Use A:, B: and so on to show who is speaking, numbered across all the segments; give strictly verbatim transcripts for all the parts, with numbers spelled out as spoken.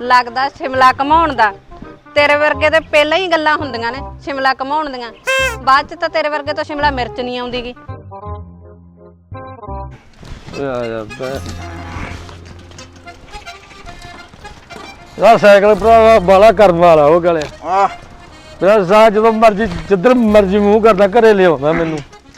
A: ਲੱਗਦਾ ਸ਼ਿਮਲਾ ਘਮਾਉਣ ਦਾ। ਤੇਰੇ ਵਰਗੇ ਤੇ ਪਹਿਲਾਂ ਹੀ ਗੱਲਾਂ ਹੁੰਦੀਆਂ ਨੇ ਸ਼ਿਮਲਾ ਘਮਾਉਣ ਦੀਆਂ, ਬਾਅਦ ਚ ਤਾਂ ਤੇਰੇ ਵਰਗੇ ਤੋਂ ਸ਼ਿਮਲਾ ਮਿਰਚ ਨਹੀਂ ਆਉਂਦੀਗੀ।
B: ਯਾਰ ਸਾਈਕਲ ਭਰਾ ਬਾਲਾ ਕਰਨ ਵਾਲਾ ਉਹ ਗਲੇ ਆ ਮੇਰਾ ਸਾਹ ਜਦੋਂ ਮਰਜੀ ਜਿੱਧਰ ਮਰਜੀ ਮੂੰਹ ਕਰਦਾ ਘਰੇ ਲਿਆਉਂਦਾ ਮੈਨੂੰ।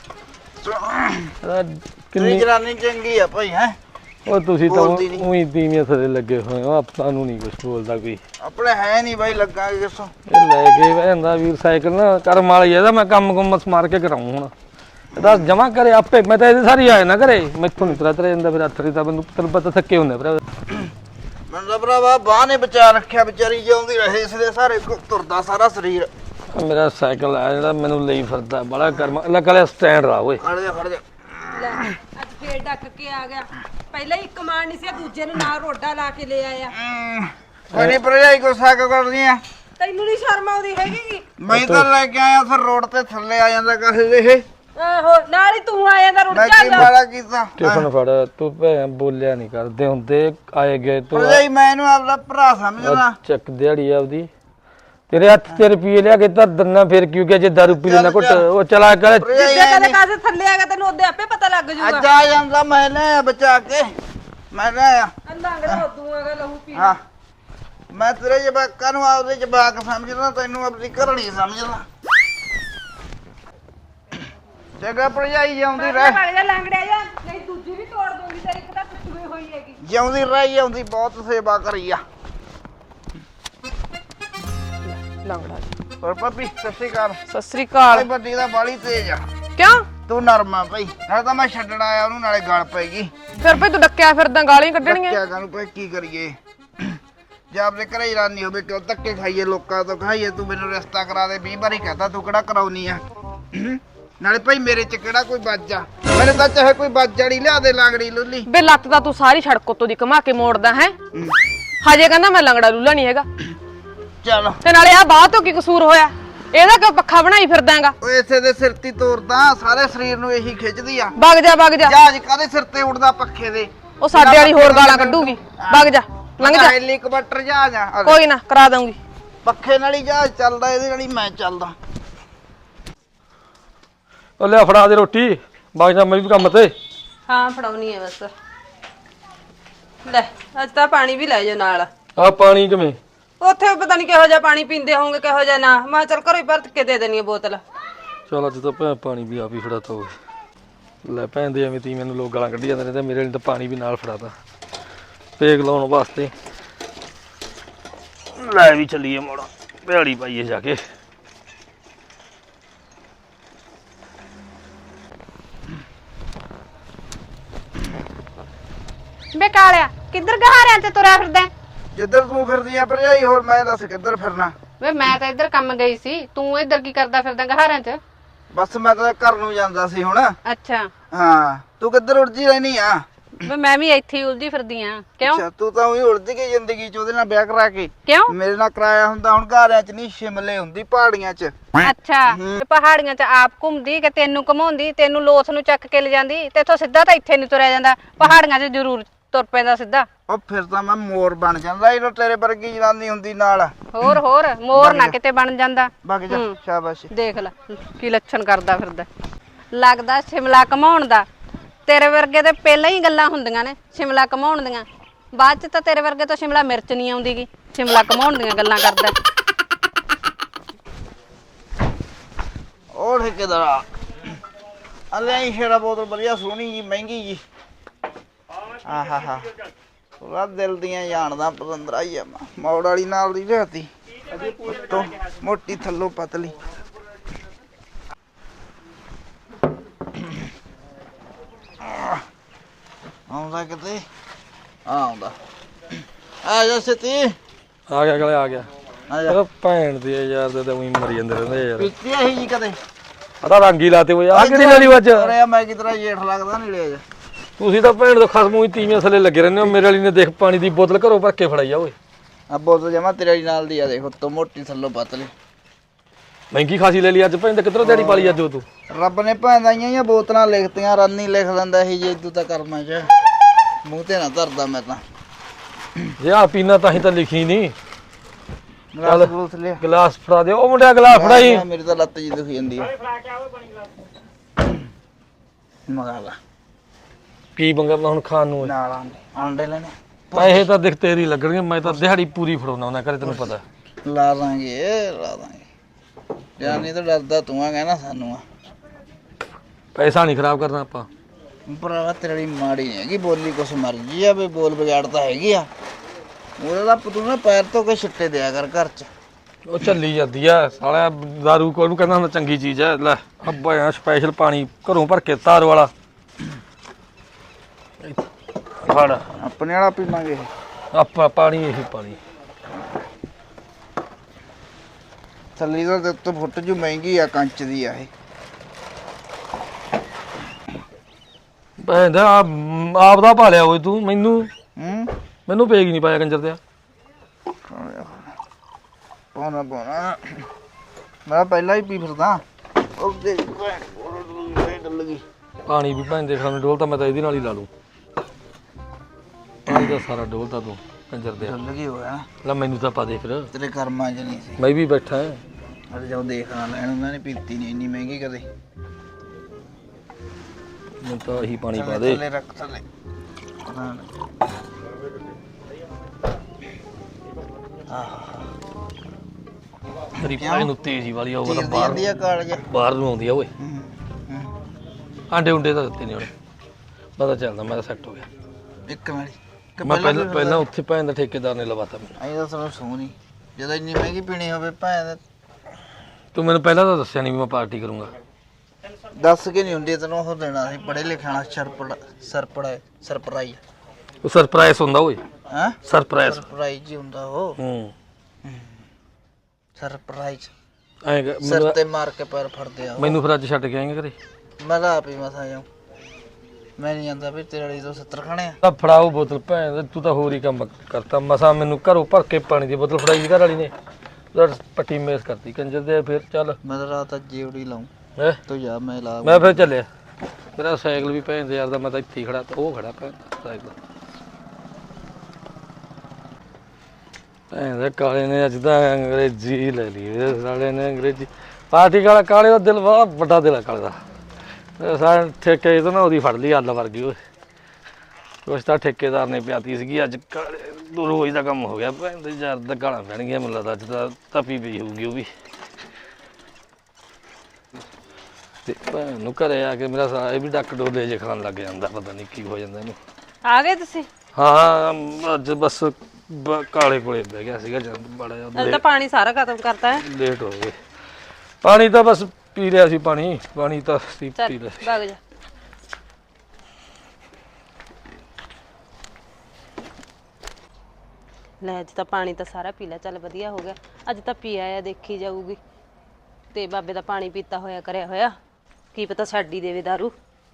C: ਕਿੰਨੀ ਜਨਾਨੀ ਚੰਗੀ ਆ ਭਾਈ ਹੈ।
B: ਉਹ ਤੁਸੀਂ ਤਾਂ ਉਹੀ ਤੀਵੀਆਂ ਥਲੇ ਲੱਗੇ ਹੋਏ ਹੋ, ਆਪਾਂ ਨੂੰ ਨਹੀਂ ਕੁਝ ਬੋਲਦਾ ਕੋਈ।
C: ਆਪਣੇ ਹੈ ਨਹੀਂ ਬਾਈ ਲੱਗਾਂਗੇ ਕਿਸੋਂ
B: ਇਹ ਲੈ ਕੇ ਵੈਂਦਾ ਵੀਰ ਸਾਈਕਲ ਨਾ ਕਰਮ ਵਾਲੀ ਇਹਦਾ ਮੈਂ ਕੰਮ ਕੁੰਮ ਸਮਾਰ ਕੇ ਕਰਾਉਂ ਹੁਣ। ਇਹਦਾ ਜਮਾ ਕਰੇ ਆਪੇ, ਮੈਂ ਤਾਂ ਇਹਦੇ ਸਾਰੀ ਆਏ ਨਾ ਕਰੇ ਮੈਥੋਂ ਨਹੀਂ ਤਰਾ ਤਰੇ ਜਾਂਦਾ ਫਿਰ ਹੱਥ ਤਾਂ ਮੈਨੂੰ ਤੈਨੂੰ ਪਤਾ ਥੱਕੇ ਹੁੰਦੇ ਭਰਾ।
C: ਮੈਨੂੰ ਤਾਂ ਭਰਾਵਾ ਬਾਹ ਨੇ ਬਚਾ ਰੱਖਿਆ, ਵਿਚਾਰੀ ਜਿਉਂਦੀ ਰਹੇ ਇਸ ਦੇ ਸਾਰੇ ਤੁਰਦਾ ਸਾਰਾ ਸਰੀਰ।
B: ਮੇਰਾ ਸਾਈਕਲ ਆ ਜਿਹੜਾ ਮੈਨੂੰ ਲਈ ਫਿਰਦਾ ਬੜਾ ਕਰਮ ਲੈ ਕਲੇ ਸਟੈਂਡ ਰਾ ਓਏ।
C: ਖੜ ਜਾ ਖੜ ਜਾ
A: ਲੈ ਅੱਜ ਫੇਰ ਡੱਕ ਕੇ ਆ ਗਿਆ। ਪਹਿਲਾਂ ਇੱਕ ਮਾਰ ਨਹੀਂ ਸੀ, ਦੂਜੇ ਨੂੰ ਨਾਲ ਰੋਡਾ ਲਾ ਕੇ ਲੈ ਆਇਆ।
C: ਕੋਈ ਭਰਜਾਈ ਗੁੱਸਾ ਕਿਉਂ ਕਰਦੀ ਆ?
A: ਤੈਨੂੰ ਨਹੀਂ ਸ਼ਰਮ ਆਉਂਦੀ ਹੈਗੀ?
C: ਮੈਂ ਤਾਂ ਲੈ ਕੇ ਆਇਆ ਫਿਰ ਰੋਡ ਤੇ ਥੱਲੇ ਆ ਜਾਂਦਾ ਕਹੇ ਇਹ।
A: ਆਹੋ ਨਾਲ ਹੀ ਤੂੰ ਆ ਜਾਂਦਾ ਰੁੜ
C: ਮੈਂ ਕੀ
A: ਜਾ।
C: ਮਾੜਾ ਕੀਤਾ?
B: ਟਿਫਨ ਫੜ ਤੂੰ ਭੈਣ ਬੋਲਿਆ ਨਹੀਂ ਕਰਦੇ ਹੁੰਦੇ ਆਏ ਗਏ ਤੂੰ
C: ਭਰਜਾਈ ਮੈਂ ਇਹਨੂੰ ਆਪਦਾ ਭਰਾ ਸਮਝਦਾ।
B: ਚੱਕ ਦਿਹਾੜੀ ਆਪਦੀ ਤੇਰੇ ਹੱਥ ਤੇ ਰੁਪਈਏ ਲਿਆ ਕੇ ਧਰ ਦਿੰਨਾ ਫਿਰ ਕਿਉਂ ਕਿ ਜੇ ਦਾਰੂ ਪੀ ਲੈਣਾ ਘੁੱਟ ਉਹ ਚਲਾ ਕਰ।
A: ਜਿੱਦੇ ਕਦੇ ਕਾਸੇ ਥੱਲੇ ਆ ਗਿਆ ਤੈਨੂੰ ਉਹਦੇ ਆਪੇ ਪਤਾ ਲੱਗ ਜੂਗਾ।
C: ਅੱਜ ਆ ਜਾਂਦਾ ਮੈਂ ਲੈ ਬਚਾ ਕੇ ਮੈਂ ਲੈ ਆ
A: ਲੰਗੜਾ ਉਦੋਂ ਆਗਾ ਲਹੂ ਪੀ।
C: ਹਾਂ ਮੈਂ ਤੇਰੇ ਜਵਾਕਾਂ ਨੂੰ ਆਪਦੇ ਜਵਾਕ ਸਮਝਦਾ, ਤੈਨੂੰ ਆਪਣੀ ਘਰੜੀ ਸਮਝਦਾ। ਜਗਾ ਭਰਜਾਈ ਜਿਉਂਦੀ ਰਹਿ।
A: ਵਗ ਜਾ ਲੰਗੜਿਆ ਜਾ, ਨਹੀਂ ਦੂਜੀ ਵੀ ਤੋੜ ਦੂੰਗੀ ਤੇਰੀ, ਇੱਕ ਤਾਂ ਟੁੱਟੀ ਹੋਈ ਹੈਗੀ।
C: ਜਿਉਂਦੀ ਰਹਿ ਆਉਂਦੀ ਬਹੁਤ ਸੇਵਾ ਕਰੀ ਆ
A: ਲੰਗੜਾ
C: ਹੋਰ ਭਾਬੀ ਸਤਿ ਸ਼੍ਰੀ ਅਕਾਲ।
A: ਸਤਿ ਸ੍ਰੀ ਅਕਾਲ।
C: ਵੱਡੀ ਦਾ ਬਾਲੀ ਤੇਜ਼ ਆ।
A: ਕਿਉਂ?
C: ਤੂੰ ਨਰਮਾ ਭਾਈ, ਨਾਲੇ ਤਾਂ ਮੈਂ ਛੱਡਣ ਆਇਆ ਉਹਨੂੰ, ਨਾਲੇ ਗਲ ਪੈਗੀ।
A: ਫਿਰ ਭਈ ਤੂੰ ਡੱਕਿਆ ਫਿਰਦਾ, ਗਾਲੀਆਂ ਕੱਢਣੀਆਂ।
C: ਕਿਆ ਕਰੂ ਭਾਈ, ਕੀ ਕਰੀਏ? ਜੇ ਆਪਣੇ ਘਰੇ ਹੀ ਰਾਨੀ ਹੋਵੇ ਕਿਉਂ ਧੱਕੇ ਖਾਈਏ, ਲੋਕਾਂ ਤੋਂ ਖਾਈਏ? ਤੂੰ ਮੈਨੂੰ ਰਿਸ਼ਤਾ ਕਰਾ ਦੇ ਵੀਹ ਵਾਰੀ ਕਹਤਾ, ਤੂੰ ਕਿਹੜਾ ਕਰਾਉਣੀ ਆ? ਨਾਲੇ ਭਾਈ ਮੇਰੇ ਚ ਕਿਹੜਾ ਕੋਈ ਵੱਜ ਆ? ਮੇਰੇ ਤਾਂ ਚਾਹੇ ਕੋਈ ਵੱਜ ਜਾੜੀ ਲਿਆ ਦੇ ਲਾਂਗੜੀ ਲੁੱਲੀ।
A: ਬੇ ਲੱਤ ਤਾਂ ਤੂੰ ਸਾਰੀ ਸੜਕ ਉੱਤੋਂ ਦੀ ਘਮਾ ਕੇ ਮੋੜਦਾ ਹੈ। ਹਜੇ ਕਹਿੰਦਾ ਮੈਂ ਲੰਗੜਾ ਲੂਲਾ ਨਹੀਂ ਹੈਗਾ।
C: ਚੱਲ
A: ਤੇ ਨਾਲੇ ਆ ਬਾਹ ਤੋਂ ਕੀ ਕਸੂਰ ਹੋਇਆ? ਇਹਦਾ ਕਿਉਂ ਪੱਖਾ ਬਣਾਈ ਫਿਰਦਾਗਾ?
C: ਓਏ ਇਸੇ ਦੇ ਸਿਰ ਤੇ ਤੋਰਦਾ, ਸਾਰੇ ਸਰੀਰ ਨੂੰ ਇਹੀ ਖਿੱਚਦੀ ਆ।
A: ਵਗ ਜਾ ਵਗ ਜਾ।
C: ਜਹਾਜ਼ ਕਾਦੇ ਸਿਰ ਤੇ ਉੱਡਦਾ? ਪੱਖੇ ਦੇ।
A: ਉਹ ਸਾਡੇ ਵਾਲੀ ਹੋਰ ਗਾਲਾਂ ਕੱਢੂਗੀ। ਵਗ ਜਾ ਲੰਘ ਜਾ।
C: ਹੈਲੀਕਾਪਟਰ ਜਹਾਜ਼ ਆ।
A: ਕੋਈ ਨਾ ਕਰਾ ਦਊਂਗੀ।
C: ਪੱਖੇ ਨਾਲ ਹੀ ਜਹਾਜ਼ ਚੱਲਦਾ, ਇਹਦੇ ਨਾਲ ਹੀ ਮੈਂ ਚੱਲਦਾ।
B: ਉਹ ਲਿਆ ਫੜਾ ਦੇ ਰੋਟੀ, ਬਾਗ ਜਾ ਮੈਂ ਵੀ ਕੰਮ ਤੇ।
A: ਹਾਂ ਫੜਾਉਣੀ ਹੈ ਬਸ। ਲੈ ਅੱਜ ਤਾਂ ਪਾਣੀ ਵੀ ਲੈ ਜਾ ਨਾਲ।
B: ਆ ਪਾਣੀ ਕਿਵੇਂ?
A: ਉੱਥੇ ਪਤਾ ਨਹੀਂ ਕਿਹੋ ਜਿਹਾ ਪਾਣੀ ਪੀਂਦੇ ਹੋਣਗੇ, ਕਿਹੋ ਜਿਹਾ ਨਾ। ਮੈਂ ਚੱਲ ਘਰੋਂ ਹੀ ਭਰਤ ਕੇ ਦੇ ਦੇਣੀ ਹੈ ਬੋਤਲ।
B: ਚਲ ਅੱਜ ਤਾਂ ਭੈਣ ਪਾਣੀ ਵੀ ਆਪ ਹੀ ਫੜਾਤਾ ਹੋਵੇ। ਲੈ ਭੈਣ ਦੇ ਐਵੇਂ ਤੀ ਮੈਨੂੰ ਲੋਕ ਗਾਲਾਂ ਕੱਢੀ ਜਾਂਦੇ ਨੇ ਤੇ ਮੇਰੇ ਲਈ ਤਾਂ ਪਾਣੀ ਵੀ ਨਾਲ ਫੜਾਤਾ ਪੇਗ ਲਾਉਣ ਵਾਸਤੇ। ਲੈ ਵੀ ਚੱਲੀਏ ਮੋੜਾ, ਭਿਆੜੀ ਪਾਈਏ ਜਾ ਕੇ।
A: ਬੇ ਕਾਲਿਆ ਕਿੱਧਰ ਗਹਾਰਿਆਂ ਤੇ ਤੁਰਿਆ ਫਿਰਦਾ?
C: ਜਿੱਧਰ ਤੂੰ ਫਿਰਦੀ ਆ ਭਰਜਾਈ, ਹੋਰ ਮੈਂ ਦੱਸ ਕਿੱਧਰ ਫਿਰਨਾ?
A: ਵੇ ਮੈਂ ਤਾਂ ਇੱਧਰ ਕੰਮ ਗਈ ਸੀ, ਤੂੰ ਇੱਧਰ ਕੀ ਕਰਦਾ ਫਿਰਦਾ ਗਹਾਰਿਆਂ 'ਚ?
C: ਬਸ ਮੈਂ ਤਾਂ ਘਰ ਨੂੰ ਜਾਂਦਾ ਸੀ ਹੁਣ।
A: ਅੱਛਾ
C: ਹਾਂ ਤੂੰ ਕਿੱਧਰ ਉਲਝੀ ਰਹਿਨੀ ਆ?
A: ਵੇ ਮੈਂ ਵੀ ਇੱਥੇ ਹੀ ਉਲਝੀ ਫਿਰਦੀ ਆ। ਕਿਉਂ?
C: ਅੱਛਾ ਤੂੰ ਤਾਂ ਉਹੀ ਉਲਝ ਗਈ ਜ਼ਿੰਦਗੀ ਚ ਉਹਦੇ ਨਾਲ ਵਿਆਹ ਕਰਾ ਕੇ।
A: ਕਿਉਂ?
C: ਮੇਰੇ ਨਾਲ ਕਰਾਇਆ ਹੁੰਦਾ ਹੁਣ ਘਾਰਿਆਂ ਚ ਨਹੀਂ, ਸ਼ਿਮਲੇ ਹੁੰਦੀ ਪਹਾੜੀਆਂ ਚ।
A: ਅੱਛਾ ਤੇ ਪਹਾੜੀਆਂ 'ਚ ਆਪ ਘੁੰਮਦੀ ਕਿ ਤੈਨੂੰ ਘਮਾਉਂਦੀ? ਤੈਨੂੰ ਲੋਥ ਨੂੰ ਚੱਕ ਕੇ ਲੈ ਜਾਂਦੀ ਤੇ ਇੱਥੋਂ ਸਿੱਧਾ ਤਾਂ ਇੱਥੇ ਨਹੀਂ ਤੁਰਿਆ ਜਾਂਦਾ, ਪਹਾੜੀਆਂ 'ਚ ਜ਼ਰੂਰ ਤੁਰ ਪੈਂਦਾ ਸਿੱਧਾ।
C: ਉਹ ਫਿਰ ਤਾਂ ਮੈਂ ਮੋਰ ਬਣ ਜਾਂਦਾ ਜਦੋਂ ਤੇਰੇ ਵਰਗੀ ਜਨਾਨੀ ਹੁੰਦੀ ਨਾਲ।
A: ਹੋਰ ਹੋਰ ਮੋਰ ਨਾ ਕਿਤੇ ਬਣ ਜਾਂਦਾ।
C: ਵਗ ਜਾ ਸ਼ਾਬਾਸ਼।
A: ਦੇਖ ਲੈ ਕੀ ਲੱਛਣ ਕਰਦਾ ਫਿਰਦਾ। ਲੱਗਦਾ ਸ਼ਿਮਲਾ ਘਮਾਉਣ ਦਾ। ਤੇਰੇ ਵਰਗੇ ਤੇ ਪਹਿਲਾਂ ਹੀ ਗੱਲਾਂ ਹੁੰਦੀਆਂ ਨੇ ਸ਼ਿਮਲਾ ਘਮਾਉਣ ਦੀਆਂ, ਬਾਅਦ ਚ ਤਾਂ ਤੇਰੇ ਵਰਗੇ ਤੋਂ ਸ਼ਿਮਲਾ ਮਿਰਚ ਨਹੀਂ ਆਉਂਦੀਗੀ। ਸ਼ਿਮਲਾ ਘਮਾਉਣ ਦੀਆਂ ਗੱਲਾਂ ਕਰਦਾ।
C: ਉਹ ਠੇਕੇਦਾਰਾ ਅੱਲੇ ਹੀ ਸ਼ੇਰਾ ਬੋਤਲ ਵਧੀਆ ਸੋਹਣੀ ਜੀ, ਮਹਿੰਗੀ ਜੀ। ਆਹਾ ਹਾ ਪੂਰਾ ਦਿਲ ਦੀਆਂ ਜਾਣਦਾ ਪਤੰਦਰਾ ਹੀ ਆ। ਮੌੜ ਵਾਲੀ ਨਾਲ ਦੀ ਰਹਤੀ, ਉੱਤੋਂ ਮੋਟੀ ਥੱਲੋਂ ਪਤਲੀ। ਆਉਂਦਾ ਕਿਤੇ ਆ ਆਉਂਦਾ ਆ ਜਾ ਸਤੀ
B: ਆ ਗਿਆ ਗਲੇ ਆ ਗਿਆ।
C: ਆ ਜਾ।
B: ਉਹ ਭੈਣ ਦੀ ਯਾਰ ਤੇ ਉਹੀ ਮਰੀ ਜਾਂਦੇ ਰਹਿੰਦੇ ਯਾਰ।
C: ਪੀਤੀ ਆਹੀ ਜੀ ਕਦੇ?
B: ਆਦਾ ਰੰਗ ਹੀ ਲਾਤੇ ਹੋਏ ਆ ਕਿਹੜੀ ਲੈਣੀ ਵੱਜ?
C: ਅਰੇ ਮੈਂ ਕਿਤਰਾ ਜੇਠ ਲੱਗਦਾ ਨਹੀਂ ਲਿਆ ਜਾ।
B: ਤੁਸੀਂ ਤਾਂ ਭੈਣ ਦੇ ਖਸਮੂ ਹੀ ਤੀਵੀਆਂ ਥੱਲੇ ਲੱਗੇ ਰਹਿੰਦੇ ਹੋ। ਮੇਰੇ ਵਾਲੀ ਨੇ ਦੇਖ ਪਾਣੀ ਦੀ ਬੋਤਲ ਘਰੋਂ ਭਰ ਕੇ ਫੜਾਈ ਆ ਓਏ।
C: ਆ ਬੋਤਲ ਜਮਾ ਤੇਰੇ ਨਾਲ ਦੀ ਆ, ਦੇਖ ਉੱਤੋਂ ਮੋਟੀ ਥੱਲੋਂ ਪਤਲੀ।
B: ਮਹਿੰਗੀ ਖਾਸੀ ਲੈ ਲਈ ਅੱਜ ਭੈਣ ਤੇ ਕਿੱਧਰੋਂ ਦਿਹਾੜੀ ਪਾਲੀ ਅੱਜ ਉਹ ਤੂੰ?
C: ਰੱਬ ਨੇ ਭਾਂਦਾ ਆਈਆਂ ਬੋਤਲਾਂ ਲਿਖਤੀਆਂ, ਰਾਨੀ ਲਿਖ ਦਿੰਦਾ ਇਹ ਜੇ ਤੂੰ ਤਾਂ ਕਰਮਾਂ ਚ। ਮੂੰਹ ਤੇ ਨਾ ਧਰਦਾ ਮੈਂ ਤਾਂ।
B: ਜੇ ਆ ਪੀਣਾ ਤਾਂ ਹੀ ਤਾਂ ਲਿਖੀ ਨਹੀਂ।
C: ਗਲਾਸ ਗਲੂਸ ਲਿਆ
B: ਗਲਾਸ ਫੜਾ ਦੇ ਉਹ ਮੁੰਡਿਆ ਗਲਾਸ ਫੜਾਈ।
C: ਮੇਰੀ ਤਾਂ ਲੱਤ ਜੀ ਦੁਖੀ ਜਾਂਦੀ ਆ। ਮੰਗਾ ਲਾ
B: ਕੀ ਮੰਗਾਂ ਹੁਣ ਖਾਣ ਨੂੰ?
C: ਨਾਲ ਆਂਡੇ ਆਂਡੇ ਲੈਣੇ
B: ਪੈਸੇ ਤਾਂ ਦਿਖ ਤੇਰੀ ਲੱਗਣਗੇ, ਮੈਂ ਤਾਂ ਦਿਹਾੜੀ ਪੂਰੀ ਫੜਾਉਣਾ ਉਹਨਾਂ ਘਰੇ, ਤੈਨੂੰ ਪਤਾ।
C: ਲਾ ਦਾਂਗੇ ਲਾ ਦਾਂਗੇ ਜਾਨੀ ਤਾਂ ਡਰਦਾ ਤੂੰ ਆ ਕਹਿਣਾ ਸਾਨੂੰ ਆ।
B: ਪੈਸਾ ਨਹੀਂ ਖਰਾਬ ਕਰਨਾ ਆਪਾਂ।
C: ਭਰਾਵਾ ਤੇਰੀ ਮਾੜੀ ਨਹੀਂ ਹੈਗੀ ਬੋਲੀ, ਕੁਛ ਮਰਜੀ ਆ ਵੀ ਬੋਲ ਵਿਗਾੜ ਤਾਂ ਹੈਗੀ ਆ। ਉਹਦਾ ਤੂੰ ਨਾ ਪੈਰ ਤੋਂ ਕੇ ਛਿੱਟੇ ਦਿਆ ਕਰ ਘਰ ਚ।
B: ਉਹ ਚੱਲੀ ਜਾਂਦੀ ਆ ਸਾਲਿਆ ਦਾਰੂ ਕੋਲ ਕਹਿੰਦਾ ਹੁੰਦਾ ਚੰਗੀ ਚੀਜ਼ ਐ। ਲੈ ਅੱਬਾ ਸਪੈਸ਼ਲ ਪਾਣੀ ਘਰੋਂ ਭਰ ਕੇ ਤਾਰ ਵਾਲਾ ਫੜ।
C: ਆਪਣੇ ਵਾਲਾ ਪੀਵਾਂਗੇ
B: ਆਪਾਂ ਪਾਣੀ ਇਹੀ ਪਾਣੀ।
C: ਥੱਲੀ ਦਾ ਤੇ ਉੱਤੋਂ ਫੁੱਟ ਜੂ ਮਹਿੰਗੀ ਆ, ਕੰਚ ਦੀ ਆ ਇਹ।
B: ਭੈਣ ਆਪ ਆਪ ਦਾ ਭਾਲਿਆ ਓਏ ਤੂੰ। ਮੈਨੂੰ
C: ਹੂੰ
B: ਮੈਨੂੰ ਪੇਗ ਨਹੀਂ ਪਾਇਆ ਕੰਜਰ ਤੇ।
C: ਪਾਉਣਾ ਪਾਉਣਾ ਮੈਂ ਪਹਿਲਾਂ ਹੀ ਪੀ ਫਿਰਦਾ। ਉਹ ਦੇਖ ਡੱਲ ਗਈ
B: ਪਾਣੀ ਵੀ ਭੈਣ ਦੇ ਖਾਣੇ ਡੋਲ ਤਾਂ ਮੈਂ ਤਾਂ ਇਹਦੇ ਨਾਲ ਹੀ ਲਾ ਲੂੰ। ਪਾਣੀ ਦਾ ਸਾਰਾ ਡੋਲਤਾ ਤੂੰ ਕੰਜਰ ਦੇ।
C: ਡੱਲ ਗਈ ਹੋਇਆ
B: ਲੈ ਮੈਨੂੰ ਤਾਂ ਪਾ ਦੇ ਫਿਰ,
C: ਤੇਰੇ ਕਰਮਾਂ ਚ ਨਹੀਂ ਸੀ।
B: ਮੈਂ ਵੀ ਬੈਠਾ ਹਾਂ।
C: ਅਰੇ ਜਾਓ ਦੇਖਣਾ ਲੈਣ, ਉਹਨਾਂ ਨੇ ਪੀਤੀ ਨਹੀਂ ਇੰਨੀ ਮਹਿੰਗੀ ਕਦੇ।
B: ਮੈਨੂੰ ਤਾਂ ਇਹੀ ਪਾਣੀ ਪਾ ਦੇ।
C: ਥੱਲੇ ਰੱਖ ਥੱਲੇ ਪਤਾ ਨਹੀਂ।
B: ਤੇਰੀ ਭੈਣ ਨੂੰ ਤੇਜ਼ੀ ਵਾਲੀ ਆ, ਉਹ ਤਾਂ
C: ਚੀਰਦੀ
B: ਬਾਹਰ
C: ਜਾਂਦੀ ਆ ਕਾਲਜ।
B: ਬਾਹਰ ਨੂੰ ਆਉਂਦੀ ਆ ਓਏ।
C: ਹੂੰ, ਹੂੰ।
B: ਆਂਡੇ ਉਂਡੇ ਤਾਂ ਦਿੱਤੇ ਨਹੀਂ ਉਹਨੇ। ਪਤਾ ਚੱਲਦਾ ਮੈਂ ਤਾਂ ਸੈੱਟ ਹੋ ਗਿਆ।
C: ਇੱਕ ਮਿੰਟ ਕਿ
B: ਮੈਂ ਪਹਿਲਾਂ ਪਹਿਲਾਂ ਉੱਥੇ ਭੈਣ ਦਾ ਠੇਕੇਦਾਰ ਨੇ ਲਵਾਤਾ ਮੈਨੂੰ।
C: ਆਈ ਤਾਂ ਸਾਨੂੰ ਸੋਹਣੀ ਜਦੋਂ ਇੰਨੀ ਮਹਿੰਗੀ ਪੀਣੀ ਹੋਵੇ ਭੈਣ।
B: ਤੂੰ ਮੈਨੂੰ ਪਹਿਲਾਂ ਤਾਂ ਦੱਸਿਆ ਨਹੀਂ ਵੀ ਮੈਂ ਪਾਰਟੀ ਕਰੂੰਗਾ।
C: ਦੱਸ ਕੇ ਨਹੀਂ ਹੁੰਦੀ ਤੈਨੂੰ ਉਹ ਦੇਣਾ ਸੀ ਪੜੇ ਲਿਖਣਾ ਸਰਪੜਾ ਸਰਪੜਾ ਸਰਪ੍ਰਾਈਜ਼।
B: ਉਹ ਸਰਪ੍ਰਾਈਜ਼ ਹੁੰਦਾ ਓਏ,
C: ਹਾਂ
B: ਸਰਪ੍ਰਾਈਜ਼।
C: ਸਰਪ੍ਰਾਈਜ਼ ਹੀ ਹੁੰਦਾ ਉਹ।
B: ਹੂੰ
C: ਸਰਪ੍ਰਾਈਜ਼
B: ਐਂ
C: ਸਿਰ ਤੇ ਮਾਰ ਕੇ ਪੈਰ ਫੜਦੇ ਆ।
B: ਮੈਨੂੰ ਫਿਰ ਅੱਜ ਛੱਡ ਕੇ ਆਏਂਗੇ ਘਰੇ?
C: ਮੈਂ ਤਾਂ ਆਪ ਹੀ ਮਸਾ ਜਾਉਂ। ਮੈਂ ਨਹੀਂ ਜਾਂਦਾ ਵੀ ਤੇਰੇ ਵਾਲੀ ਤੋਂ ਸੱਤਰ ਖਾਣੇ ਆ।
B: ਤਾਂ ਫੜਾਓ ਬੋਤਲ ਭੈਣ, ਤੂੰ ਤਾਂ ਹੋਰ ਹੀ ਕੰਮ ਕਰਤਾ। ਮਸਾ ਮੈਨੂੰ ਘਰੋਂ ਭਰ ਕੇ ਪਾਣੀ ਦੀ ਬੋਤਲ ਫੜਾਈ ਘਰ ਵਾਲੀ ਨੇ, ਪੱਟੀ ਮੇਸ ਕਰਤੀ ਕੰਜਰ ਦੇ। ਫਿਰ ਚੱਲ
C: ਮੈਂ ਤਾਂ ਰਾਤ ਅੱਜ ਜੀਵੜੀ ਲਾਉਂ।
B: ਹੈ
C: ਤੂੰ ਜਾ ਮੈਂ ਲਾ।
B: ਮੈਂ ਫਿਰ ਚੱਲਿਆ। ਮੇਰਾ ਸਾਈਕਲ ਵੀ ਭੈਣ ਦੇ ਯਾਰ ਦਾ, ਮੈਂ ਤਾਂ ਇੱਥੇ ਹੀ ਖੜਾ, ਉਹ ਖੜਾ ਭੈਣ ਦਾ ਸਾਈਕਲ। ਭੈਣ ਦੇ ਕਾਲੇ ਨੇ ਅੱਜ ਤਾਂ ਅੰਗਰੇਜ਼ੀ ਲੈ ਲਈ ਸਾਲੇ ਨੇ। ਅੰਗਰੇਜ਼ੀ ਪਾਰਟੀ ਕਾਲਾ, ਕਾਲੇ ਦਾ ਦਿਲ ਬੜਾ ਵੱਡਾ ਦਿਲ ਆ ਕਾਲੇ ਦਾ। ਸਾਰੇ ਠੇਕੇ ਤੋਂ ਨਾ ਉਹਦੀ ਫੜ ਲਈ ਅੱਲ ਵਰਗੀ ਓਏ। ਕੁਛ ਤਾਂ ਠੇਕੇਦਾਰ ਨੇ ਪਿਆਤੀ ਸੀਗੀ ਅੱਜ। ਕਾਲੇ ਰੋਜ਼ ਦਾ ਕੰਮ ਹੋ ਗਿਆ ਭੈਣ ਦੇ ਯਾਰ ਦਾ। ਗਾਲਾਂ ਪੈਣਗੀਆਂ ਮੈਨੂੰ ਲੱਗਦਾ ਅੱਜ ਤਾਂ ਤਪੀ ਪਈ ਹੋਊਗੀ ਉਹ ਵੀ। ਤੇ ਭੈਣ ਨੂੰ ਘਰੇ ਆ ਕੇ ਮੇਰਾ ਸਾਰਾ ਇਹ ਵੀ ਡੱਕ ਡੋਲੇ ਜੇ ਖਾਣ ਲੱਗ ਜਾਂਦਾ, ਪਤਾ ਨਹੀਂ ਕੀ ਹੋ ਜਾਂਦਾ ਇਹਨੂੰ।
A: ਆ ਗਏ ਤੁਸੀਂ?
B: ਹਾਂ ਅੱਜ ਬਸ ਬ- ਕਾਲੇ ਕੋਲੇ ਬਹਿ ਗਿਆ ਸੀਗਾ ਜਦ ਬੜਾ
A: ਅੱਜ
B: ਜਿਹਾ
A: ਤਾਂ ਪਾਣੀ ਸਾਰਾ ਖਤਮ ਕਰਤਾ ਹੈ।
B: ਲੇਟ ਹੋ ਗਏ। ਪਾਣੀ ਤਾਂ ਬਸ ਪੀ ਲਿਆ ਸੀ, ਪਾਣੀ ਪਾਣੀ ਤਾਂ ਸੀ
A: ਚੱਲ
B: ਪੀ ਲਿਆ ਸੀ।
A: ਭੱਗ ਜਾ। ਲੈ ਅੱਜ ਤਾਂ ਪਾਣੀ ਤਾਂ ਸਾਰਾ ਪੀ ਲਿਆ, ਚੱਲ ਵਧੀਆ ਹੋ ਗਿਆ। ਅੱਜ ਤਾਂ ਪੀ ਆਇਆ, ਦੇਖੀ ਜਾਊਗੀ। ਤੇ ਬਾਬੇ ਦਾ ਪਾਣੀ ਪੀਤਾ ਹੋਇਆ ਕਰਿਆ ਹੋਇਆ, ਕੀ ਪਤਾ ਛੱਡ ਹੀ ਦੇਵੇ ਦਾਰੂ।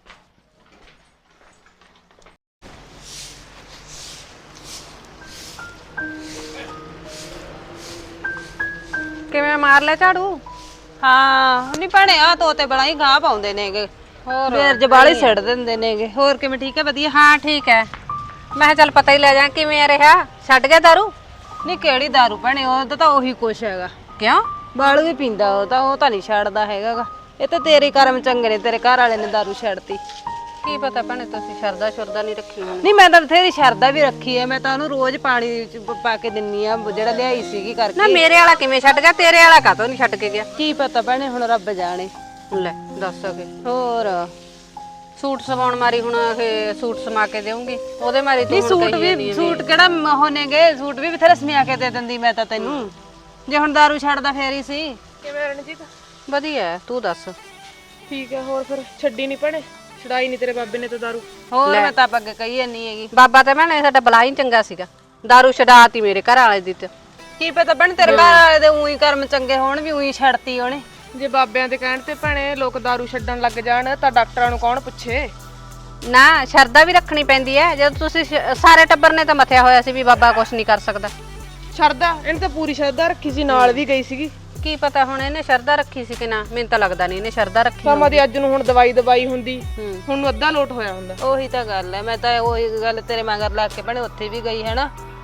A: ਕਿਵੇਂ ਮਾਰ ਲੈ ਝਾੜੂ?
D: ਹਾਂ ਨਹੀਂ ਭੈਣੇ ਆ ਤੋਤੇ ਬੜਾ ਹੀ ਗਾਹ ਪਾਉਂਦੇ ਨੇਗੇ।
A: ਹੋਰ
D: ਫੇਰ ਜਬਾਲੇ ਸਿੱਟ ਦਿੰਦੇ ਨੇਗੇ। ਹੋਰ ਕਿਵੇਂ ਠੀਕ ਹੈ? ਵਧੀਆ।
A: ਹਾਂ ਠੀਕ ਹੈ। ਮੈਂ ਕਿਹਾ ਚੱਲ ਪਤਾ ਹੀ ਲੈ ਜਾ ਕਿਵੇਂ ਰਿਹਾ। ਛੱਡ ਗਿਆ ਦਾਰੂ?
D: ਨਹੀਂ ਕਿਹੜੀ ਦਾਰੂ ਭੈਣੇ, ਉਹਦਾ ਤਾਂ ਉਹੀ ਕੁਛ ਹੈਗਾ।
A: ਕਿਉਂ?
D: ਬਾਲੂ ਵੀ ਪੀਂਦਾ ਉਹ ਤਾਂ, ਉਹ ਤਾਂ ਨਹੀਂ ਛੱਡਦਾ ਹੈਗਾਗਾ। ਇਹ ਤਾਂ ਤੇਰੇ ਕਰਮ ਚੰਗੇ ਨੇ, ਤੇਰੇ ਘਰ ਵਾਲੇ ਨੇ ਦਾਰੂ ਛੱਡਤੀ।
A: ਕੀ ਪਤਾ ਭੈਣੇ ਤੁਸੀਂ ਸ਼ਰਦਾ ਸ਼ੁਰਦਾ ਨਹੀਂ ਰੱਖੀ ਹੋਣੀ।
D: ਨਹੀਂ ਮੈਂ ਤਾਂ ਬਥੇਰੀ ਸ਼ਰਦਾ ਵੀ ਰੱਖੀ ਹੈ। ਮੈਂ ਤਾਂ ਉਹਨੂੰ ਰੋਜ਼ ਪਾਣੀ ਚ ਪ- ਪਾ ਕੇ ਦਿੰਨੀ ਆ, ਜਿਹੜਾ ਲਿਆਈ ਸੀਗੀ
A: ਨਾ
D: ਕਰਕੇ।
A: ਮੇਰੇ ਵਾਲਾ ਕਿਵੇਂ ਛੱਡ ਗਿਆ, ਤੇਰੇ ਵਾਲਾ ਕਾਹਤੋਂ ਨਹੀਂ ਛੱਡ ਕੇ ਗਿਆ?
D: ਕੀ ਪਤਾ ਭੈਣੇ, ਹੁਣ ਰੱਬ ਜਾਣੇ।
A: ਲੈ ਦੱਸ ਕੇ
D: ਹੋਰ
A: ਸੂਟ ਸਵਾਉਣ ਮਾਰੀ ਹੁਣ ਇਹ ਸੂਟ ਸਮਾ ਕੇ ਦੇਉਂਗੀ ਉਹਦੇ ਮਾਰੀ ਤੂੰ
D: ਨਹੀਂ
A: ਹੁਣ
D: ਸੂਟ
A: ਕਹੀ ਜਾਂਦੀ
D: ਵੀ
A: ਹੈ
D: ਸੂਟ ਕਿਹੜਾ ਉਹ ਨੇਗੇ, ਸੂਟ ਵੀ ਬਥੇਰੇ ਸਮਿਆ ਕੇ ਦੇ ਦਿੰਦੀ ਮੈਂ ਤਾਂ ਤੈਨੂੰ। ਜੇ ਹੁਣ ਦਾਰੂ ਛੱਡਦਾ ਫੇਰ ਹੀ ਸੀ।
E: ਕਿਵੇਂ ਰਣਜੀਤ?
A: ਵਧੀਆ ਹੈ, ਤੂੰ ਦੱਸ।
E: ਠੀਕ ਹੈ। ਹੋਰ ਫਿਰ ਛੱਡੀ ਨਹੀਂ ਭੈਣੇ, ਛਡਾਈ ਨਹੀਂ ਤੇਰੇ ਬਾਬੇ ਨੇ ਤਾਂ ਦਾਰੂ।
D: ਹੋਰ ਮੈਂ ਤਾਂ ਅੱਗੇ ਕਹੀ ਜਾਨੀ ਹੈਗੀ।
A: ਬਾਬਾ ਤੇ ਭੈਣੇ ਸਾਡਾ ਬਲਾ ਹੀ ਚੰਗਾ ਸੀਗਾ, ਦਾਰੂ ਛਡਾਤੀ ਮੇਰੇ ਘਰ ਵਾਲੇ ਦੀ ਤੇ।
D: ਕੀ ਪਤਾ ਭੈਣ ਤੇਰੇ ਘਰ ਵਾਲੇ ਦੇ ਉਹੀ ਕਰਮ ਚੰਗੇ ਹੋਣ ਵੀ ਉਹੀ ਛੱਡਤੀ ਉਹਨੇ।
E: ਜੇ ਬਾਬਿਆਂ ਦੇ ਕਹਿਣ ਤੇ ਭੈਣੇ ਲੋਕ ਦਾਰੂ ਛੱਡਣ ਲੱਗ ਜਾਣ ਤਾਂ ਡਾਕਟਰਾਂ ਨੂੰ ਕੌਣ ਪੁੱਛੇ?
A: ਨਾ ਸ਼ਰਦਾ ਵੀ ਰੱਖਣੀ ਪੈਂਦੀ ਹੈ। ਜਦੋਂ ਤੁਸੀਂ ਸ਼- ਸਾਰੇ ਟੱਬਰ ਨੇ ਤਾਂ ਮਥਿਆ ਹੋਇਆ ਸੀ ਵੀ ਬਾਬਾ ਕੁਛ ਨਹੀਂ ਕਰ ਸਕਦਾ।
E: ਸ਼ਰਦਾ ਇਹਨੇ ਤਾਂ ਪੂਰੀ ਸ਼ਰਦਾ ਰੱਖੀ ਸੀ, ਨਾਲ ਵੀ ਗਈ ਸੀਗੀ।
A: ਕੀ ਪਤਾ ਹੁਣ ਇਹਨੇ ਸ਼ਰਦਾ ਰੱਖੀ ਸੀ ਕਿ ਨਾ, ਮੈਨੂੰ ਤਾਂ ਲੱਗਦਾ ਨਹੀਂ ਇਹਨੇ ਸ਼ਰਦਾ ਰੱਖੀ
E: ਸਮਾਂ ਦੀ ਅੱਜ ਨੂੰ ਹੁਣ ਦਵਾਈ ਦਵਾਈ ਹੁੰਦੀ,
A: ਹੂੰ।
E: ਹੁਣ ਨੂੰ ਅੱਧਾ ਲੋਟ ਹੋਇਆ ਹੁੰਦਾ।
D: ਉਹੀ ਤਾਂ ਗੱਲ ਹੈ। ਮੈਂ ਤਾਂ ਉਹੀ ਗੱਲ ਤੇਰੇ ਮਗਰ ਲੱਗ ਕੇ ਭੈਣੇ ਉੱਥੇ ਵੀ ਗਈ ਹੈ ਨਾ,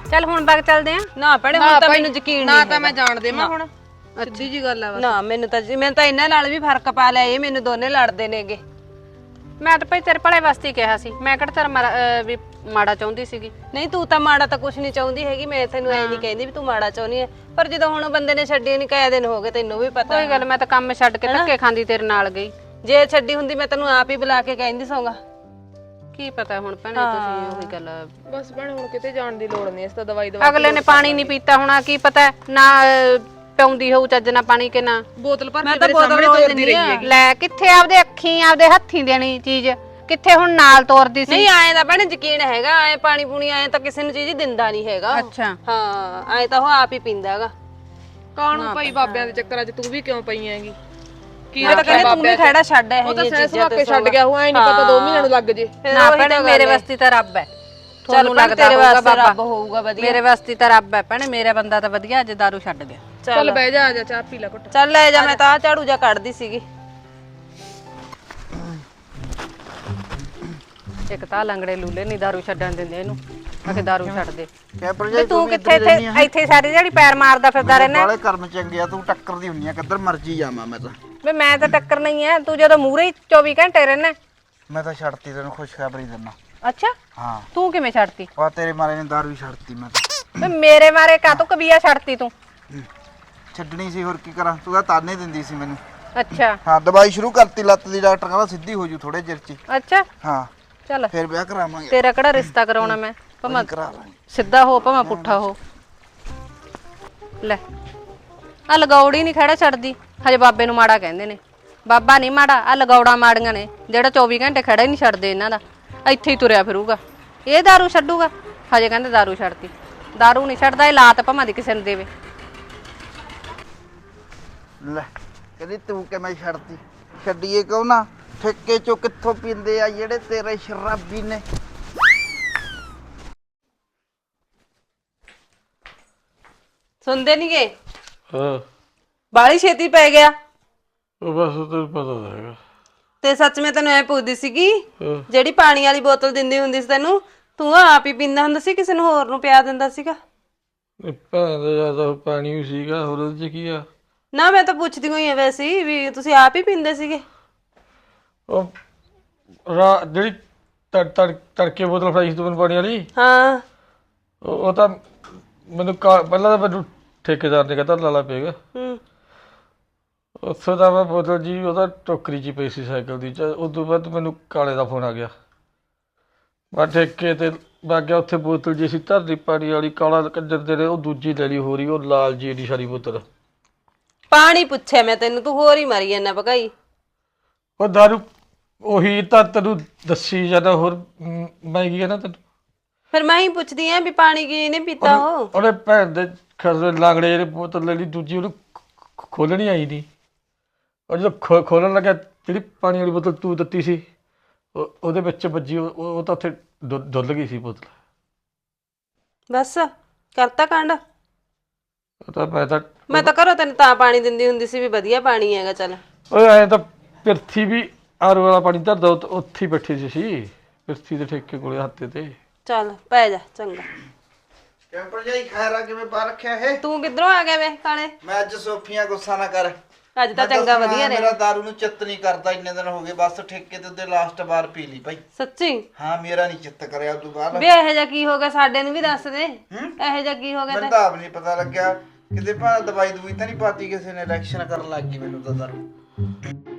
A: ਚੱਲ ਹੁਣ ਬਾਗ ਚੱਲਦੇ ਆ।
D: ਨਾ ਭੈਣੇ ਹੁਣ ਤਾਂ ਮੈਨੂੰ ਯਕੀਨ
E: ਨਾ
D: ਨਹੀਂ
E: ਤਾਂ ਮੈਂ ਜਾਣ ਦੇਵਾਂ ਹੁਣ ਸਿੱਧੀ ਜੀ ਗੱਲ ਆ ਬਸ।
D: ਨਾ ਮੈਨੂੰ ਤਾਂ ਮੈਂ ਤਾਂ ਇਹਨਾਂ ਨਾਲ ਵੀ ਫਰਕ ਪਾ ਲਿਆ, ਇਹ ਮੈਨੂੰ ਦੋਨੇ ਲੜਦੇ ਨੇਗੇ।
A: ਮੈਂ ਤਾਂ ਭਾਈ ਤੇਰੇ ਭਲੇ ਵਾਸਤੇ ਹੀ ਕਿਹਾ ਸੀ, ਮੈਂ ਕਿਹੜਾ ਤੇਰਾ ਮਾੜਾ, ਅਹ, ਵੀ ਮਾੜਾ ਚਾਹੁੰਦੀ ਸੀਗੀ।
D: ਨਹੀਂ ਤੂੰ ਤਾਂ ਮਾੜਾ ਤਾਂ ਕੁਝ ਨਹੀਂ ਚਾਹੁੰਦੀ ਹੈਗੀ, ਮੈਂ ਤੈਨੂੰ ਐ ਨਹੀਂ ਕਹਿੰਦੀ ਵੀ ਤੂੰ ਮਾੜਾ ਚਾਹੁੰਦੀ ਹੈ, ਪਰ ਜਦੋਂ ਹੁਣ ਬੰਦੇ ਨੇ ਛੱਡੀ ਨਹੀਂ ਕਾਇਆ ਦਿਨ ਹੋ ਗਏ ਤੈਨੂੰ ਵੀ ਪਤਾ।
A: ਕੋਈ ਗੱਲ, ਮੈਂ ਤਾਂ ਕੰਮ ਛੱਡ ਕੇ ਧੱਕੇ ਖਾਂਦੀ ਤੇਰੇ ਨਾਲ ਗਈ।
D: ਜੇ ਛੱਡੀ ਹੁੰਦੀ ਮੈਂ ਤੈਨੂੰ ਆਪ ਹੀ ਬੁਲਾ ਕੇ ਕਹਿੰਦੀ ਸੌਂਗਾ।
A: ਕੀ ਪਤਾ ਹੁਣ ਭੈਣੇ ਤੁਸੀਂ ਉਹੀ ਗੱਲ।
E: ਬਸ ਭੈਣੇ ਹੁਣ ਕਿਤੇ ਜਾਣ ਦੀ ਲੋੜ ਨਹੀਂ, ਇਸ ਤਾਂ ਦਵਾਈ ਦਵਾ
A: ਅਗਲੇ ਨੇ ਪਾਣੀ ਨਹੀਂ ਪੀਤਾ ਹੋਣਾ, ਕੀ ਪਤਾ ਨਾ ਅਹ, ਪਿਆਉਂਦੀ ਹੋਊ ਚੱਜ ਨਾਲ ਪਾਣੀ ਕਿ ਨਾ।
E: ਬੋਤਲ ਭਰ
D: ਮੈਂ
E: ਕੇ
D: ਤਾਂ
E: ਤੇਰੇ
D: ਬੋਤਲ
E: ਸਾਹਮਣੇ
D: ਰੋਜ਼
E: ਤੋਰਦੀ
D: ਦਿੰਦੀ
E: ਰਹੀ
D: ਆ।
E: ਹੈਗੀ।
A: ਲੈ ਕਿੱਥੇ ਆਪਦੇ ਅੱਖੀਂ ਆਪਦੇ ਹੱਥੀਂ ਦੇਣੀ ਚੀਜ਼, ਕਿੱਥੇ ਹੁਣ ਨਾਲ ਤੋਰਦੀ ਸੀ।
D: ਨਹੀਂ ਆਏ ਤਾਂ ਭੈਣੇ ਯਕੀਨ ਹੈਗਾ, ਐ ਪਾਣੀ ਪੂਣੀ ਆਏ ਤਾਂ ਕਿਸੇ ਨੂੰ ਚੀਜ਼ ਹੀ ਦਿੰਦਾ ਨਹੀਂ ਹੈਗਾ।
A: ਅੱਛਾ
D: ਹਾਂ ਐ ਤਾਂ ਉਹ ਆਪ ਹੀ ਪੀਂਦਾ ਹੈਗਾ।
E: ਕਾਹਨੂੰ ਭਾਈ ਬਾਬਿਆਂ ਦੇ ਚੱਕਰਾਂ 'ਚ ਤੂੰ ਵੀ ਕਿਉਂ ਪਈ ਹੈਗੀ? ਕੀ
D: ਮੈਂ ਤਾਂ ਕਹਿੰਦੀ ਤੂੰ ਵੀ ਖੜਾ ਛੱਡ ਇਹ
E: ਉਹ ਤਾਂ
D: ਜਿਹੀਆਂ
E: ਸਹਿ
D: ਚੀਜ਼ਾਂ
E: ਸੁਭਾ ਕੇ ਛੱਡ ਗਿਆ, ਉਹ ਐ ਨਹੀਂ ਪਤਾ ਦੋ ਮਹੀਨਿਆਂ ਨੂੰ ਲੱਗ ਜੇ।
A: ਨਾ ਭੈਣੇ ਮੇਰੇ ਵਾਸਤੇ ਤਾਂ ਰੱਬ ਹੈ।
D: ਚੱਲ
A: ਤੁਹਾਨੂੰ
D: ਭੈਣੇ
A: ਲੱਗਦਾ
D: ਤੇਰੇ
A: ਹੋਊਗਾ
D: ਵਾਸਤੇ
A: ਬਾਬਾ,
D: ਰੱਬ ਹੋਊਗਾ ਵਧੀਆ।
A: ਮੇਰੇ ਵਾਸਤੇ ਤਾਂ ਰੱਬ ਹੈ ਭੈਣੇ। ਮੇਰਾ ਬੰਦਾ ਤਾਂ ਵਧੀਆ ਅੱਜ ਦਾਰੂ ਛੱਡ ਗਿਆ।
E: ਚੱਲ ਬਹਿ ਜਾ, ਆ ਜਾ ਚਾਹ ਪੀ ਲੈ ਘੁੱਟ।
D: ਚੱਲ ਲੈ ਜਾ, ਮੈਂ ਤਾਂ ਆਹ ਝਾੜੂ ਜਾ ਕੱਢਦੀ ਸੀਗੀ।
A: ਇੱਕ ਤਾਂ ਲੰਗੜੇ ਲੂਲੇ ਨਹੀਂ ਦਾਰੂ ਛੱਡਣ ਦਿੰਦੇ ਇਹਨੂੰ, ਆਖੇ ਦਾਰੂ ਛੱਡ ਦੇ।
C: ਕਹਿ ਪਰ
A: ਤੇ ਤੂੰ ਕਿੱਥੇ ਇੱਥੇ ਇੱਥੇ ਸਾਰੀ ਜਿਹੜੀ ਪੈਰ ਮਾਰਦਾ ਫਿਰਦਾ ਰਹਿਣਾ।
C: ਬਾਲੇ ਕਰਮ ਚੰਗੇ ਆ, ਤੂੰ ਟੱਕਰ ਦੀ ਹੁੰਨੀ ਆ, ਕਿੱਧਰ ਮਰਜੀ ਜਾਵਾਂ ਮੈਂ ਤਾਂ।
A: ਵੇ ਮੈਂ ਤਾਂ ਟੱਕਰ ਨਹੀਂ ਐ, ਤੂੰ ਜਦੋਂ ਮੂਹਰੇ ਹੀ ਚੌਵੀ ਘੰਟੇ ਰਹਿਣਾ।
C: ਮੈਂ ਤਾਂ ਛੱਡਤੀ, ਤੈਨੂੰ ਖੁਸ਼ਖਬਰੀ ਦਿੰਦਾ।
A: ਅੱਛਾ
C: ਹਾਂ
A: ਤੂੰ ਕਿਵੇਂ ਛੱਡਤੀ?
C: ਵਾ ਤੇਰੇ ਮਾਰੇ ਨੇ ਦਾਰੂ ਹੀ ਛੱਡਤੀ ਮੈਂ ਤਾਂ।
A: ਵੇ ਮੇਰੇ ਮਾਰੇ ਕਾਤੋਂ ਕਬੀਆ ਛੱਡਤੀ ਤੂੰ?
C: ਛੱਡਣੀ ਸੀ, ਹੋਰ ਕੀ ਕਰਾਂ, ਤੂੰ ਤਾਂ ਤਾਨੇ ਦਿੰਦੀ ਸੀ ਮੈਨੂੰ।
A: ਅੱਛਾ
C: ਹਾਂ ਦਵਾਈ ਸ਼ੁਰੂ ਕਰਤੀ ਲੱਤ ਦੀ, ਡਾਕਟਰ ਕਹਿੰਦਾ ਸਿੱਧੀ ਹੋ ਜੂ ਥੋੜੇ ਚਿਰ ਚ ਹੀ।
A: ਅੱਛਾ
C: ਹਾਂ
A: ਚੱਲ
C: ਫਿਰ ਵਿਆਹ ਕਰਾਵਾਂਗੇ।
A: ਤੇਰਾ ਕਿਹੜਾ ਰਿਸ਼ਤਾ ਕਰਾਉਣਾ ਮੈਂ, ਭਾਵੇਂ
C: ਕਰਾ ਲਾਂਗੇ।
A: ਸਿੱਧਾ ਹੋ ਭਾਵੇਂ ਪੁੱਠਾ ਹੋ। ਲੈ ਆ ਲਗੌੜੀ ਨਹੀਂ ਖੜਾ ਛੱਡਦੀ, ਹਜੇ ਬਾਬੇ ਨੂੰ ਮਾੜਾ ਕਹਿੰਦੇ ਨੇ। ਬਾਬਾ ਨਹੀਂ ਮਾੜਾ, ਆ ਲਗੌੜਾ ਮਾੜੀਆਂ ਨੇ ਜਿਹੜਾ ਚੌਵੀ ਘੰਟੇ ਖੜਾ ਹੀ ਨਹੀਂ ਛੱਡਦੇ ਇਹਨਾਂ ਦਾ, ਇੱਥੇ ਹੀ ਤੁਰਿਆ ਫਿਰੂਗਾ। ਇਹ ਦਾਰੂ ਛੱਡੂਗਾ? ਹਜੇ ਕਹਿੰਦੇ ਦਾਰੂ ਛੱਡਤੀ। ਦਾਰੂ ਨਹੀਂ ਛੱਡਦਾ, ਇਹ ਲਾਤ ਭਾਵੇਂ ਦੀ ਕਿਸੇ ਨੂੰ ਦੇਵੇ।
C: ਲੈ ਕਹਿੰਦੀ ਤੂੰ ਕਿਵੇਂ ਛੱਡਤੀ? ਛੱਡੀਏ ਕਿਉਂ ਨਾ, ਠੇਕੇ ਚੋਂ ਕਿੱਥੋਂ ਪੀਂਦੇ ਆ ਜਿਹੜੇ ਤੇਰੇ ਸ਼ਰਾਬੀ ਨੇ।
D: ਸੁਣਦੇ ਨਹੀਂ ਗਏ?
B: ਹਾਂ
D: ਬਾਲੀ ਛੇਤੀ ਪੈ ਗਿਆ।
B: ਉਹ ਬਸ ਤੈਨੂੰ ਪਤਾ ਤਾਂ ਹੈਗਾ।
D: ਤੇ ਸੱਚ ਮੈਂ ਤੈਨੂੰ ਐ ਪੁੱਛਦੀ ਸੀਗੀ,
B: ਹਾਂ।
D: ਜਿਹੜੀ ਪਾਣੀ ਵਾਲੀ ਬੋਤਲ ਦਿੰਦੀ ਹੁੰਦੀ ਸੀ ਤੈਨੂੰ, ਤੂੰ ਆਪ ਹੀ ਪੀਂਦਾ ਹੁੰਦਾ ਸੀ ਕਿਸੇ ਨੂੰ ਹੋਰ ਨੂੰ ਪਿਆ ਦਿੰਦਾ ਸੀਗਾ?
B: ਇਹ ਭੈਣ ਦਾ ਜਿਆਦਾ ਪਾਣੀ ਵੀ ਸੀਗਾ, ਹੋਰ ਉਹਦੇ ਚ ਕੀ ਆ।
D: ਨਾ ਮੈਂ ਤਾਂ ਪੁੱਛਦੀ ਹੋਈ ਆ ਵੈਸੇ ਹੀ ਵੀ ਤੁਸੀਂ ਆਪ ਹੀ ਪੀਂਦੇ ਸੀਗੇ।
B: ਉਹ ਰਾ ਜਿਹੜੀ ਤੜ ਤੜ ਤੜਕੇ ਬੋਤਲ ਫੜਾਈ ਸੀ ਤੂੰ ਮੈਨੂੰ ਪਾਣੀ ਵਾਲੀ,
D: ਹਾਂ
B: ਉਹ ਉਹ ਤਾਂ ਮੈਨੂੰ ਕਾ- ਪਹਿਲਾਂ ਤਾਂ ਮੈਨੂੰ ਠੇਕੇਦਾਰ ਨੇ ਕਹਿੰਦਾ ਲਾਲਾ ਪਏਗਾ।
D: ਹੂੰ
B: ਉੱਥੋਂ ਦਾ ਮੈਂ ਬੋਤਲ ਜੀ ਉਹਦਾ ਟੋਕਰੀ 'ਚ ਹੀ ਪਈ ਸੀ ਸਾਈਕਲ ਦੀ। ਚ ਉਸ ਤੋਂ ਬਾਅਦ ਮੈਨੂੰ ਕਾਲੇ ਦਾ ਫੋਨ ਆ ਗਿਆ। ਮੈਂ ਠੇਕੇ ਤੇ ਲੱਗ ਗਿਆ, ਉੱਥੇ ਬੋਤਲ ਜੀ ਸੀ ਧਰਦੀ ਪਾਣੀ ਵਾਲੀ, ਕਾਲਾ ਕੰਜਰ ਦੇ ਉਹ ਦੂਜੀ ਲੈ ਲਈ ਹੋਰੀ, ਉਹ ਲਾਲ ਜੀ ਦੀ ਸਾਰੀ ਬੋਤਲ।
D: ਪਾਣੀ ਪੁੱਛਿਆ ਮੈਂ ਤੈਨੂੰ, ਤੂੰ ਹੋਰ ਹੀ ਮਾਰੀ ਜਾਂਦਾ ਭਗਾਈ।
B: ਉਹ ਦਾਰੂ ਉਹੀ ਤਾਂ ਤੈਨੂੰ ਦੱਸੀ ਜਾਂਦਾ, ਹੋਰ ਮ, ਮੈਂ ਕੀ ਕਹਿਣਾ ਤੈਨੂੰ।
D: ਫਿਰ ਮੈਂ ਹੀ ਪੁੱਛਦੀ ਆ ਵੀ ਪਾਣੀ ਕੀ ਨੇ ਪੀਤਾ ਉਹ।
B: ਉਹਨੇ ਭੈਣ ਦੇ ਖਸਰੇ ਲਾਂਗੜੇ ਜਿਹੜੇ ਬੋਤਲ ਲੈ ਲਈ ਦੂਜੀ, ਉਹਨੂੰ ਖੋਲਣੀ ਆਈ ਨਹੀਂ। ਉਹ ਜਦੋਂ ਖੋ ਖੋਲਣ ਲੱਗਿਆ, ਜਿਹੜੀ ਪਾਣੀ ਵਾਲੀ ਬੋਤਲ ਤੂੰ ਦਿੱਤੀ ਸੀ ਉਹ ਉਹਦੇ ਵਿੱਚ ਵੱਜੀ, ਉਹ ਉਹ ਤਾਂ ਉੱਥੇ ਡੁੱਲ ਡੁੱਲ ਗਈ ਸੀ ਬੋਤਲ।
D: ਬਸ ਕਰਤਾ ਕਾਂਡ।
B: ਉਹ ਤਾਂ ਮੈਂ ਤਾਂ
D: ਮੈਂ ਤਾਂ ਘਰੋਂ ਤੈਨੂੰ ਤਾਂ ਪਾਣੀ ਦਿੰਦੀ ਹੁੰਦੀ ਸੀ ਵੀ ਵਧੀਆ ਪਾਣੀ ਹੈਗਾ। ਚੱਲ
B: ਓਏ ਐਂ ਤਾਂ ਪਿਰਥੀ ਵੀ ਆਰ ਵਾਲਾ ਪਾਣੀ ਧਰਦਾ, ਉੱਥੇ ਉੱਥੇ ਹੀ ਬੈਠੀ ਸੀ ਸੀ ਪਿਰਥੀ ਦੇ ਠੇਕੇ ਕੋਲੇ ਹੱਥੇ ਤੇ।
D: ਚੱਲ ਪੈ ਜਾ ਚੰਗਾ।
C: ਕੈਂਪਰ ਜਾਈ ਖੈਰਾ ਕਿਵੇਂ ਪਾ ਰੱਖਿਆ ਇਹ?
D: ਤੂੰ ਕਿੱਧਰੋਂ ਆ ਗਿਆ ਵੇ ਕਾਲੇ?
C: ਮੈਂ ਅੱਜ ਸੋਫੀਆਂ ਗੁੱਸਾ ਨਾ ਕਰ।
D: ਅੱਜ ਤਾਂ
C: ਮੈਂ
D: ਚੰਗਾ
C: ਦੱਸਣਾ,
D: ਵਧੀਆ ਨੇ।
C: ਮੇਰਾ ਦਾਰੂ ਨੂੰ ਚਿੱਤ ਨਹੀਂ ਕਰਦਾ, ਇੰਨੇ ਦਿਨ ਹੋ ਗਏ, ਬਸ ਠੇਕੇ ਤੇ ਉਹਦੇ ਲਾਸਟ ਵਾਰ ਪੀ ਲਈ ਭਾਈ।
D: ਸੱਚੀ?
C: ਹਾਂ ਮੇਰਾ ਨਹੀਂ ਚਿੱਤ ਕਰਿਆ ਉਦੋਂ ਬਾਅਦ।
D: ਵੇ ਇਹੋ ਜਿਹਾ ਕੀ ਹੋ ਗਿਆ ਸਾਡੇ ਨੂੰ ਵੀ ਦੱਸ ਦੇ। ਇਹੋ ਜਿਹਾ ਕੀ ਹੋ ਗਿਆ
C: ਮੈਨੂੰ
D: ਤੇ?
C: ਤਾਂ ਆਪ ਨਹੀਂ ਪਤਾ ਲੱਗਿਆ, ਕਿਤੇ ਭਾਂ ਦਵਾਈ ਦਵਾਈ ਤਾਂ ਨਹੀਂ ਪਾਤੀ ਕਿਸੇ ਨੇ, ਇਲੈਕਸ਼ਨ ਕਰਨ ਲੱਗ ਗਈ ਮੈਨੂੰ ਤਾਂ ਦਾਰੂ।